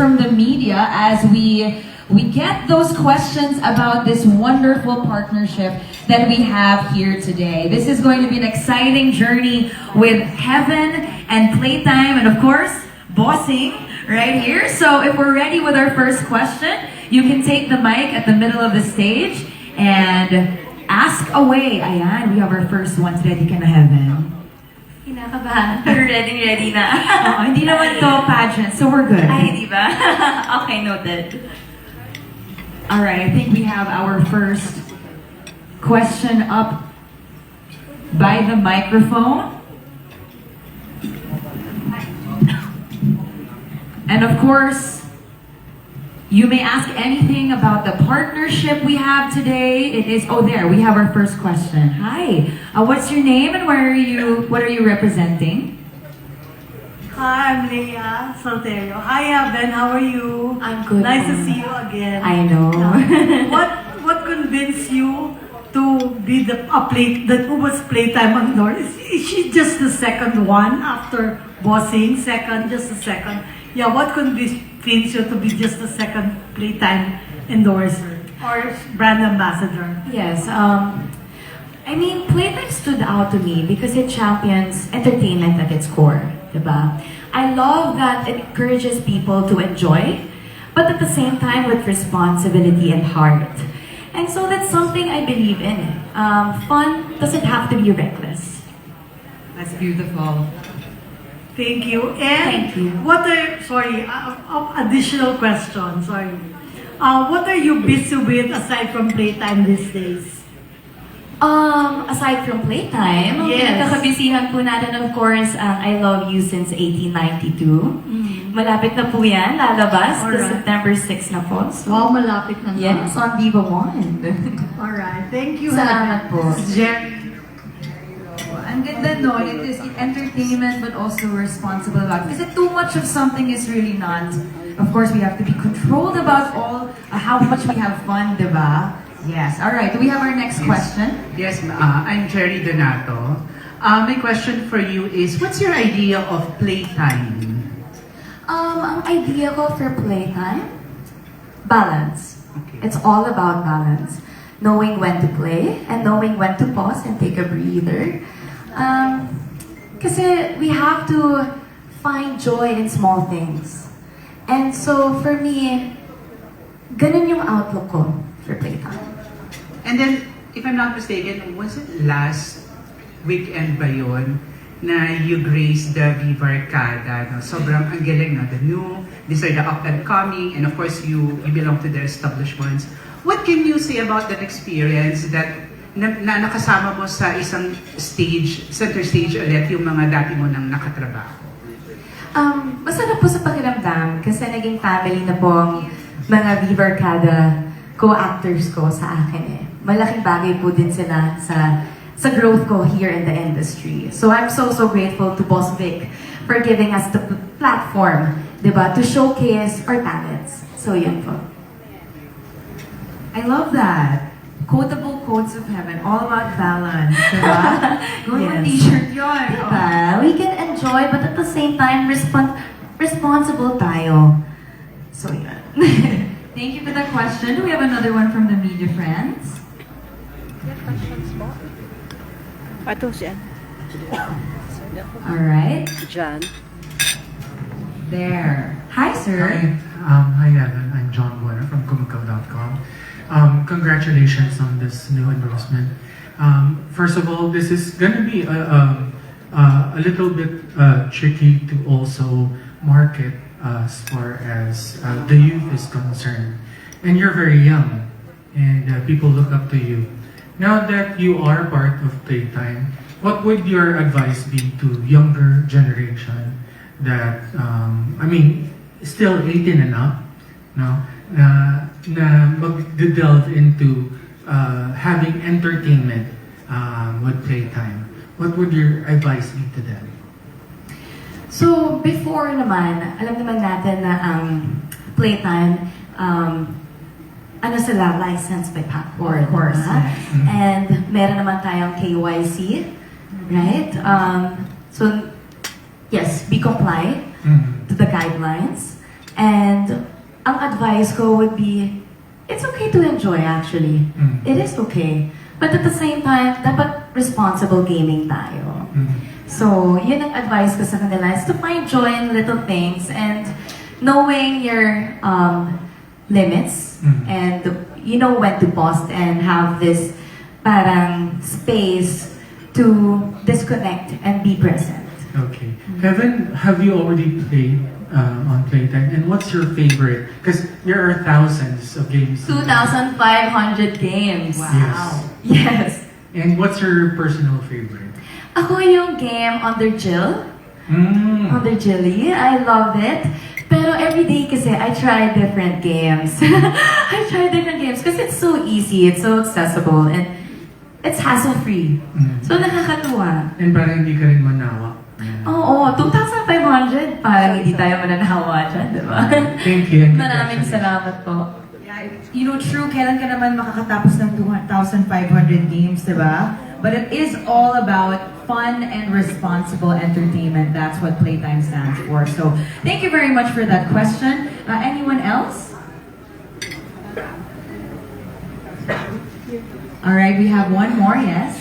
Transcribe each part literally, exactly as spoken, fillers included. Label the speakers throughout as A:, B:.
A: from the media as we we get those questions about this wonderful partnership that we have here today. This is going to be an exciting journey with Heaven and Playtime, and of course, Bossing right here. So if we're ready with our first question, you can take the mic at the middle of the stage and ask away. Ayan, we have our first one. Ready ka na, Heaven?
B: Kinakabahan. Pero ready, ready na.
A: Oo, hindi naman to pageant, so we're good.
B: Ay, di ba? Okay, noted.
A: Alright, I think we have our first question up by the microphone. And of course, you may ask anything about the partnership we have today. It is, oh there, we have our first question. Hi, uh, what's your name and where are you, what are you representing?
C: Hi, I'm Leia Solterio. Hi, Evan. How are you?
B: I'm good.
C: Nice to see you again.
A: I know.
C: what What convinced you to be the a play that who was Playtime Andor? Is, is she just the second one after Bossing? Second, just the second. Yeah. What convinced you to be just the second Playtime endorser or brand ambassador?
B: Yes, um, I mean, Playtime stood out to me because it champions entertainment at its core, diba? I love that it encourages people to enjoy, but at the same time with responsibility and heart. And so that's something I believe in. Um, fun doesn't have to be reckless.
A: That's beautiful.
C: Thank you. And
B: Thank you.
C: what are, sorry, uh, uh, additional question, sorry. Uh, what are you busy with aside from Playtime these days?
B: Um, aside from Playtime,
C: Yes.
B: pinagkakabisihan po natin, of course, ang I Love You Since eighteen ninety-two.
C: Mm.
B: Malapit na po yan, lalabas.
C: Alright.
B: This September sixth na po. So,
C: Wow, malapit na nga.
B: yes, on Viva One.
C: Alright, thank you.
B: Salamat po.
C: Jerry.
A: Ang ganda, no? It is entertainment but also responsible about it. Because too much of something is really not. Of course, we have to be controlled about all uh, how much we have fun, diba? Yes. All right. Do we have our next
D: Yes.
A: question?
D: Yes, uh, I'm Jerry Donato. Uh, my question for you is, what's your idea of playtime?
B: Um, ang idea ko for Playtime, balance.
D: Okay.
B: It's all about balance. Knowing when to play and knowing when to pause and take a breather. Um, kasi we have to find joy in small things. And so for me, ganun yung outlook ko for Playtime.
D: And then, if I'm not mistaken, was it last weekend ba yun na you graced the Viva Arcada? No? Sobrang ang galing, no? The new, these are the up and coming, and of course, you, you belong to the established ones. What can you say about that experience that na, na nakasama mo sa isang stage, center stage ulit, yung mga dati mo nang nakatrabaho?
B: Um, masarap po sa pakiramdam kasi naging family na po ang mga Viva Arcada co-actors ko sa akin eh. Malaking bagay po din sila sa sa growth ko here in the industry. So I'm so, so grateful to Boss Vic for giving us the platform, diba, to showcase our talents. So yun po.
A: I love that. Quotable quotes of heaven, all about balance, diba? Going
B: Yes.
A: with t-shirt yun.
B: Diba? We can enjoy but at the same time respon responsible tayo. So yun.
A: Thank you for the question. Do we have another one from the media friends?
E: Ito si Ann.
A: All right.
E: John.
A: There. Hi, sir.
F: Hi, um, hi Evan. I'm John Warner from Kumakaw dot com. Um, congratulations on this new endorsement. Um, first of all, this is going to be a, um, uh, a little bit uh, tricky to also market uh, as far as uh, the youth is concerned. And you're very young, and uh, people look up to you. Now that you are part of Playtime, what would your advice be to younger generation that, um, I mean, still eighteen and up, no, na, na mag-delve into uh, having entertainment um, with Playtime? What would your advice be to them?
B: So, before naman, alam naman natin na ang Playtime, um, ano sila, licensed by Pacboard.
A: Of course,
B: diba?
A: yes.
F: Mhm.
B: And meron naman tayong K Y C, right? Um, so, yes, we comply
F: Mhm.
B: to the guidelines. And ang advice ko would be, it's okay to enjoy actually.
F: Mm.
B: It is okay. But at the same time, dapat responsible gaming tayo.
F: Mm.
B: So, yun ang advice ko sa kanila is to find joy in little things and knowing your um, limits
F: Mm.
B: and you know when to pause and have this parang space to disconnect and be present.
F: Okay. Heaven, have you already played um, on Playtime? And what's your favorite? Because there are thousands of games.
B: two thousand five hundred games.
F: Yes.
B: Yes.
F: And what's your personal favorite?
B: Ako yung game Under Jill.
F: Mm.
B: Under Jilly. I love it. Pero everyday kasi I try different games. I try different games because it's so easy, it's so accessible, and it's hassle-free.
F: Mm.
B: So nakakatuwa.
F: And parang hindi ka rin manawa.
B: Oo, two thousand five hundred. Parang hindi tayo mananawa dyan, di ba?
F: Thank you. and
B: Maraming
F: congratulations.
B: salamat po.
G: Yeah, you know, true, kailan ka naman makakatapos ng two thousand five hundred games, diba? But it is all about fun and responsible entertainment. That's what Playtime stands for. So, thank you very much for that question. Uh, anyone else? All right, we have one more, yes?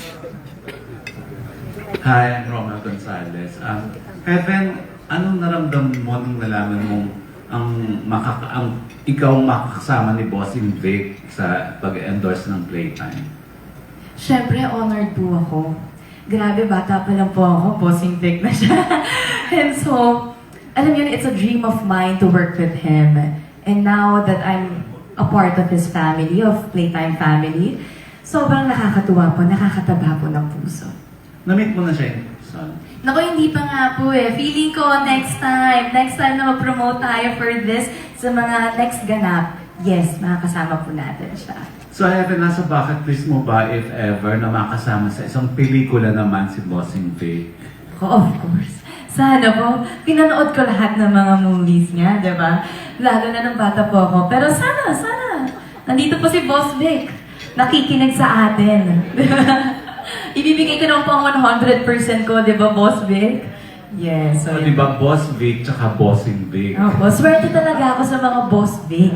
H: Hi, I'm Romel Gonzalez. Um, Heaven, anong naramdaman mo nung nalaman mong ang, makaka ang ikaw ang makakasama ni Bossing Vic sa pag-endorse ng Playtime?
B: Siyempre, honored po ako. Grabe, bata pa lang po ako, bossing Vic na siya. And so, alam yun, it's a dream of mine to work with him. And now that I'm a part of his family, of Playtime family, sobrang nakakatuwa po, nakakataba po ng puso.
H: Na-meet mo na siya in person?
B: Naku, hindi pa nga po eh. Feeling ko next time, next time na mag-promote tayo for this sa mga next ganap, yes, makakasama po natin siya.
H: So Heaven, nasa bucket list mo ba, if ever, na makasama sa isang pelikula naman si Bossing Vic?
B: Oh, of course. Sana po. Pinanood ko lahat ng mga movies niya, di ba? Lalo na nung bata po ako. Pero sana, sana. Nandito po si Boss Vic. Nakikinig sa atin. Ibibigay ko naman po ang one hundred percent ko, di ba, Boss Vic? Yes.
H: So,
B: So,
H: di ba Boss Vic tsaka Bossing Vic?
B: Oh, boss, swerte talaga ako sa mga Boss Vic.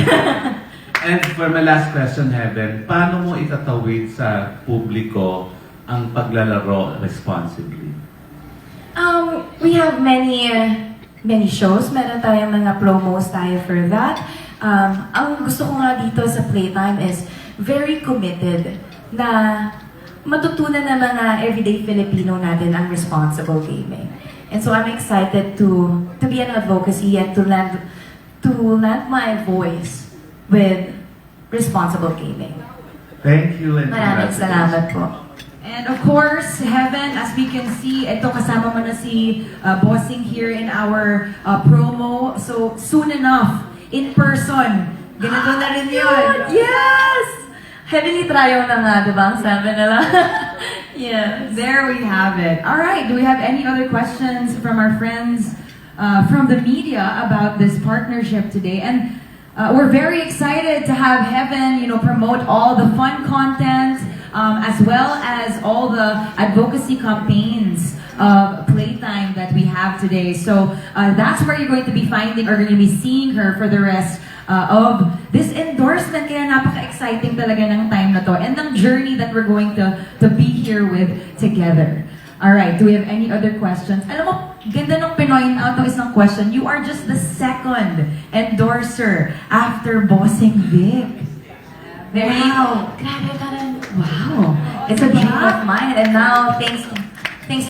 H: And for my last question, Heaven, paano mo itatawid sa publiko ang paglalaro responsibly?
B: Um, we have many, uh, many shows. Meron tayong mga promos tayo for that. Um, ang gusto ko nga dito sa Playtime is very committed na matutunan ng mga everyday Filipino natin ang responsible gaming. And so I'm excited to to be an advocacy and to lend to lend my voice with responsible gaming.
H: Thank you and
B: Maraming
H: congratulations.
B: salamat po.
G: And of course, Heaven, as we can see, ito kasama mo na si uh, Bossing here in our uh, promo. So, soon enough, in person, ganito na rin yun.
B: Yes! Heavenly trial na nga, di ba? Ang sabi nila. Yes.
G: There we have it. All right, do we have any other questions from our friends uh, from the media about this partnership today? And uh, we're very excited to have Heaven, you know, promote all the fun content, um, as well as all the advocacy campaigns of Playtime that we have today. So uh, that's where you're going to be finding, or going to be seeing her for the rest uh, of this endorsement. Kaya napaka-exciting talaga ng time na to and ng journey that we're going to, to be here with together. All right, do we have any other questions? Alam mo, ganda nung pinoint out ng isang question. You are just the second endorser after Bossing Vic. There you go.
B: Wow! Grabe, parang, wow! It's a dream of mine. And now, thanks